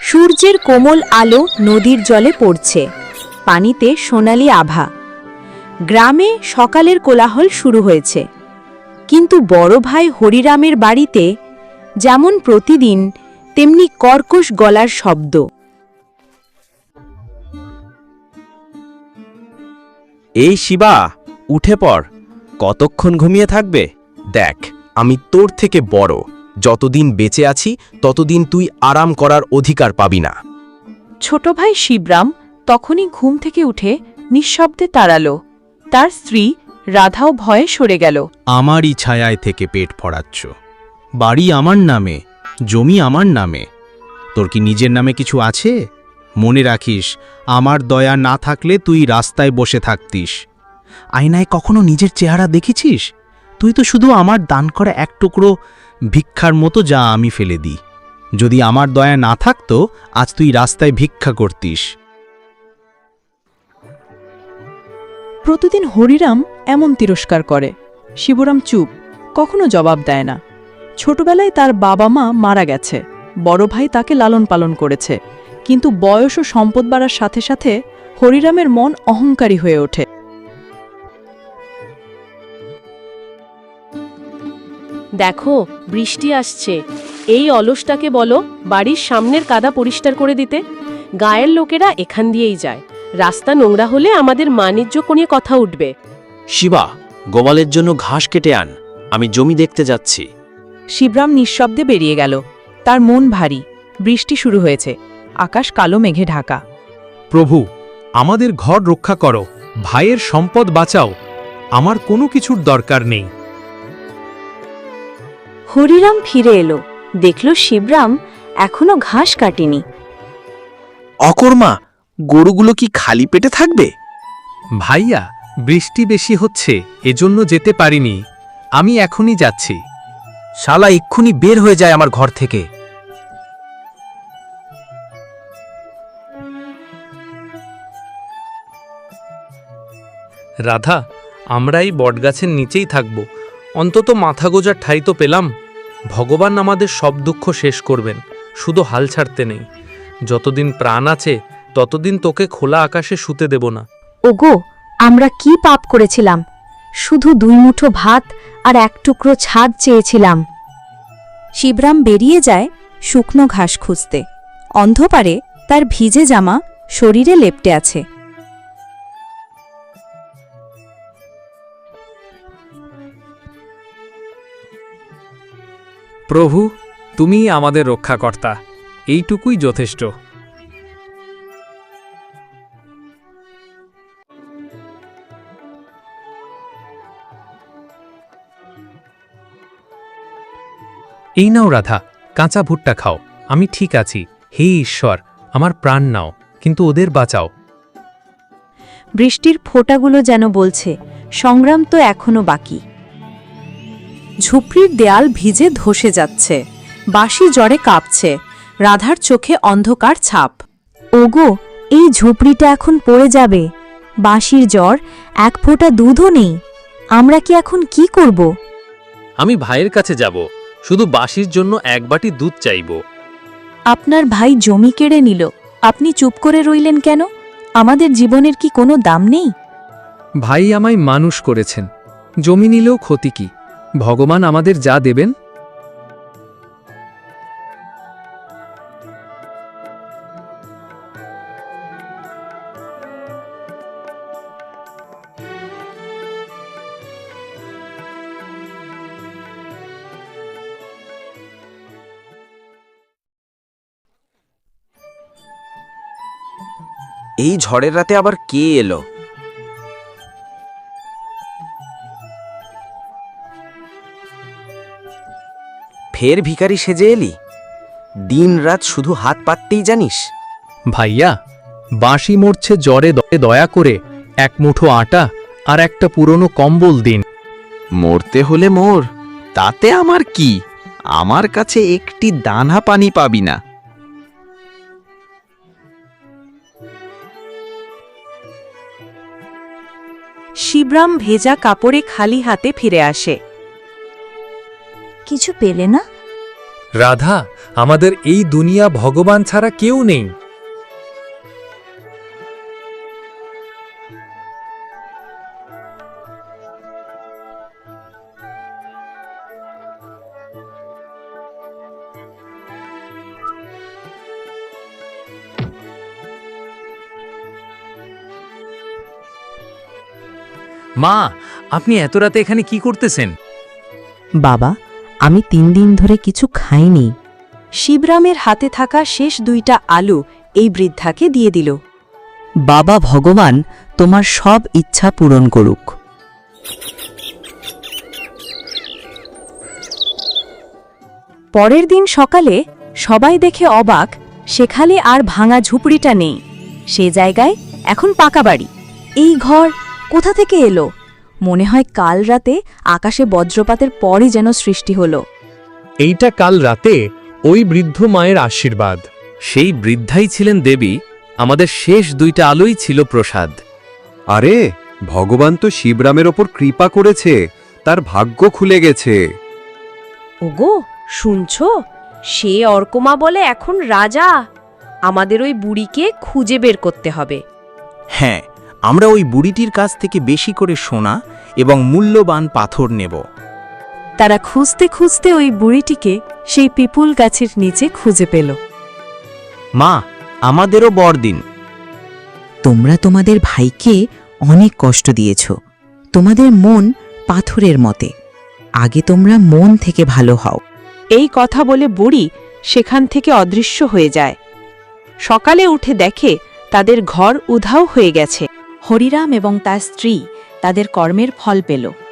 সূর্যের কোমল আলো নদীর জলে পড়ছে, পানিতে সোনালি আভা। গ্রামে সকালের কোলাহল শুরু হয়েছে, কিন্তু বড় ভাই হরিরামের বাড়িতে যেমন প্রতিদিন তেমনি কর্কশ গলার শব্দ। এই শিবা, উঠে পড়। কতক্ষণ ঘুমিয়ে থাকবে? দেখ, আমি তোর থেকে বড়। যতদিন বেঁচে আছি ততদিন তুই আরাম করার অধিকার পাবি না। ছোট ভাই শিবরাম তখনই ঘুম থেকে উঠে নিঃশব্দে তাড়াল। তার স্ত্রী রাধাও ভয়ে সরে গেল। আমারই ছায়ায় থেকে পেট ভরাচ্ছ। বাড়ি আমার নামে, জমি আমার নামে। তোর কি নিজের নামে কিছু আছে? মনে রাখিস, আমার দয়া না থাকলে তুই রাস্তায় বসে থাকতিস। আয়নায় কখনো নিজের চেহারা দেখেছিস? তুই তো শুধু আমার দান করা এক টুকরো ভিক্ষার মতো, যা আমি ফেলে দিই। যদি আমার দয়া না থাকতো, আজ তুই রাস্তায় ভিক্ষা করতিস। প্রতিদিন হরিরাম এমন তিরস্কার করে। শিবরাম চুপ, কখনো জবাব দেয় না। ছোটবেলায় তার বাবা মা মারা গেছে, বড় ভাই তাকে লালন পালন করেছে, কিন্তু বয়স ও সম্পদ বাড়ার সাথে সাথে হরিরামের মন অহংকারী হয়ে ওঠে। দেখো, বৃষ্টি আসছে। এই অলসটাকে বলো বাড়ির সামনের কাদা পরিষ্কার করে দিতে। গায়ের লোকেরা এখান দিয়েই যায়। রাস্তা নোংরা হলে আমাদের মানিজ্য নিয়ে কথা উঠবে। শিবা, গোপালের জন্য ঘাস কেটে আন, আমি জমি দেখতে যাচ্ছি। শিবরাম নিঃশব্দে বেরিয়ে গেল। তার মন ভারী। বৃষ্টি শুরু হয়েছে, আকাশ কালো মেঘে ঢাকা। প্রভু, আমাদের ঘর রক্ষা করো, ভাইয়ের সম্পদ বাঁচাও। আমার কোনো কিছুর দরকার নেই। হরিরাম ফিরে এলো, দেখল শিবরাম এখনো ঘাস কাটেনি। অকর্মা, গরুগুলো কি খালি পেটে থাকবে? ভাইয়া, বৃষ্টি বেশি হচ্ছে, এজন্য যেতে পারিনি। আমি এখনই যাচ্ছি। শালা এক্ষুনি বের হয়ে যায় আমার ঘর থেকে। রাধা, আমরা এই বটগাছের নিচেই থাকব। অন্তত মাথা গোজার ঠাঁই তো পেলাম। ভগবান আমাদের সব দুঃখ শেষ করবেন, শুধু হাল ছাড়তে নেই। যতদিন প্রাণ আছে ততদিন তোকে খোলা আকাশে শুতে দেব না। ওগো, আমরা কি পাপ করেছিলাম? শুধু 2 মুঠো ভাত আর 1 টুকরো ছাদ চেয়েছিলাম। শিবরাম বেরিয়ে যায় শুকনো ঘাস খুঁজতে। অন্ধকারে তার ভিজে জামা শরীরে লেপ্টে আছে। প্রভু, তুমি আমাদের রক্ষাকর্তা, এইটুকুই যথেষ্ট। এই নাও রাধা, কাঁচা ভুট্টা খাও। আমি ঠিক আছি। হে ঈশ্বর, আমার প্রাণ নাও, কিন্তু ওদের বাঁচাও। বৃষ্টির ফোঁটাগুলো যেন বলছে, সংগ্রাম তো এখনো বাকি। ঝুপড়ির দেয়াল ভিজে ধসে যাচ্ছে, বাঁশি জ্বরে কাঁপছে, রাধার চোখে অন্ধকার ছাপ। ওগো, এই ঝুপড়িটা এখন পড়ে যাবে। বাঁশির জ্বর, 1 ফোঁটা দুধও নেই। আমরা কি এখন কি করব? আমি ভাইয়ের কাছে যাব, শুধু বাঁশির জন্য 1 বাটি দুধ চাইব। আপনার ভাই জমি কেড়ে নিল, আপনি চুপ করে রইলেন কেন? আমাদের জীবনের কি কোনো দাম নেই? ভাই আমায় মানুষ করেছেন, জমি নিলেও ক্ষতি কি? ভগবান আমাদের যা দেবেন। এই ঝড়ের রাতে আবার কে এলো? ফের ভিখারি সেজে এলি? দিন রাত শুধু হাত পাততেই জানিস। ভাইয়া, বাঁশি মরছে জ্বরে, দয়া করে 1 মুঠো আটা আর একটা পুরনো কম্বল দিন। মরতে হলে মোর, তাতে আমার কি? আমার কাছে একটি দানা পানি পাবি না। শিবরাম ভেজা কাপড়ে খালি হাতে ফিরে আসে। কিছু পেলে না? রাধা, আমাদের এই দুনিয়া ভগবান ছাড়া কেউ নেই। মা, আপনি এত রাতে এখানে কি করতেছেন? বাবা, আমি 3 দিন ধরে কিছু খাইনি। শিবরামের হাতে থাকা শেষ 2টা আলু এই বৃদ্ধাকে দিয়ে দিল। বাবা ভগবান তোমার সব ইচ্ছা পূরণ করুক। পরের দিন সকালে সবাই দেখে অবাক, সেখানে আর ভাঙা ঝুপড়িটা নেই। সে জায়গায় এখন পাকা বাড়ি। এই ঘর কোথা থেকে এলো? মনে হয় কাল রাতে আকাশে বজ্রপাতের পরই যেন সৃষ্টি হলো। এইটা কাল রাতে ওই বৃদ্ধ মায়ের আশীর্বাদ। সেই বৃদ্ধাই ছিলেন দেবী, আমাদের শেষ 2টা আলোই ছিল প্রসাদ। আরে, ভগবান তো শিবরামের ওপর কৃপা করেছে, তার ভাগ্য খুলে গেছে। ওগো, শুনছো? সে অর্কমা বলে এখন রাজা। আমাদের ওই বুড়িকে খুঁজে বের করতে হবে। হ্যাঁ, আমরা ওই বুড়িটির কাছ থেকে বেশি করে সোনা এবং মূল্যবান পাথর নেব। তারা খুঁজতে খুঁজতে ওই বুড়িটিকে সেই পিপুল গাছের নিচে খুঁজে পেল। মা, আমাদেরও বরদিন। তোমরা তোমাদের ভাইকে অনেক কষ্ট দিয়েছ। তোমাদের মন পাথরের মতে। আগে তোমরা মন থেকে ভালো হও। এই কথা বলে বুড়ি সেখান থেকে অদৃশ্য হয়ে যায়। সকালে উঠে দেখে তাদের ঘর উধাও হয়ে গেছে। হরিরাম এবং তার স্ত্রী তাদের কর্মের ফল পেল।